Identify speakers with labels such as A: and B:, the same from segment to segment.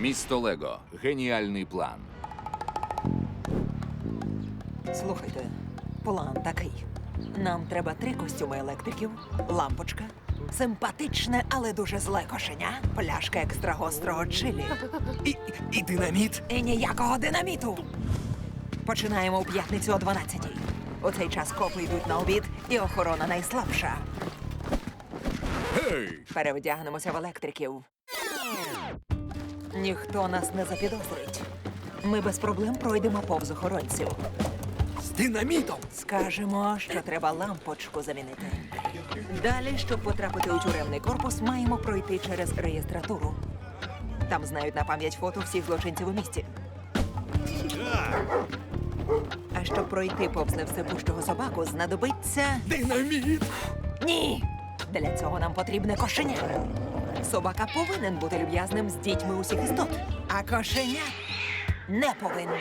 A: Місто Лего. Геніальний план.
B: Слухайте, план такий. Нам треба 3 костюми електриків, лампочка, симпатичне, але дуже зле кошеня, пляшка екстрагострого чилі.
C: І динаміт.
B: І ніякого динаміту. Починаємо у п'ятницю о 12-й. У цей час копи йдуть на обід, і охорона найслабша.
A: Гей!
B: Перевдягнемося в електриків. Ніхто нас не запідозрить. Ми без проблем пройдемо повз охоронців.
C: З динамітом.
B: Скажемо, що треба лампочку замінити. Далі, щоб потрапити у тюремний корпус, маємо пройти через реєстратуру. Там знають на пам'ять фото всіх злочинців у місті. А щоб пройти повз невсепущого собаку, знадобиться...
C: Динаміт.
B: Ні! Для цього нам потрібне кошеня. Собака повинен бути люб'язним з дітьми усіх істот, а кошеня не повинне.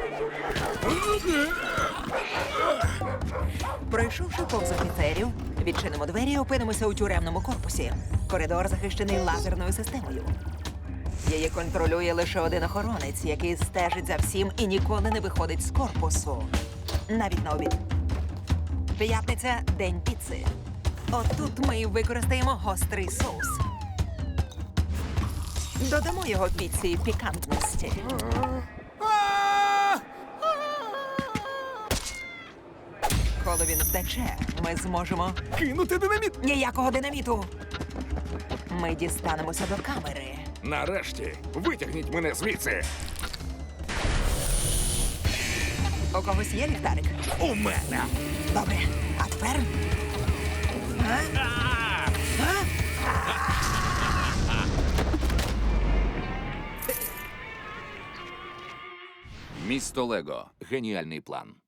B: Пройшовши повз офіцерів, відчинимо двері і опинимося у тюремному корпусі. Коридор захищений лазерною системою. Її контролює лише один охоронець, який стежить за всім і ніколи не виходить з корпусу. Навіть на обід. П'ятниця – день піци. Отут ми й використаємо гострий соус. Додамо його піці пікантності. Коли він втече, ми зможемо...
C: Кинути динаміт.
B: Ніякого динаміту! Ми дістанемося до камери.
A: Нарешті, витягніть мене звідси.
B: У когось є ліхтарик?
C: У мене.
B: Добре. А тепер?
A: Місто Лего. Геніальний план.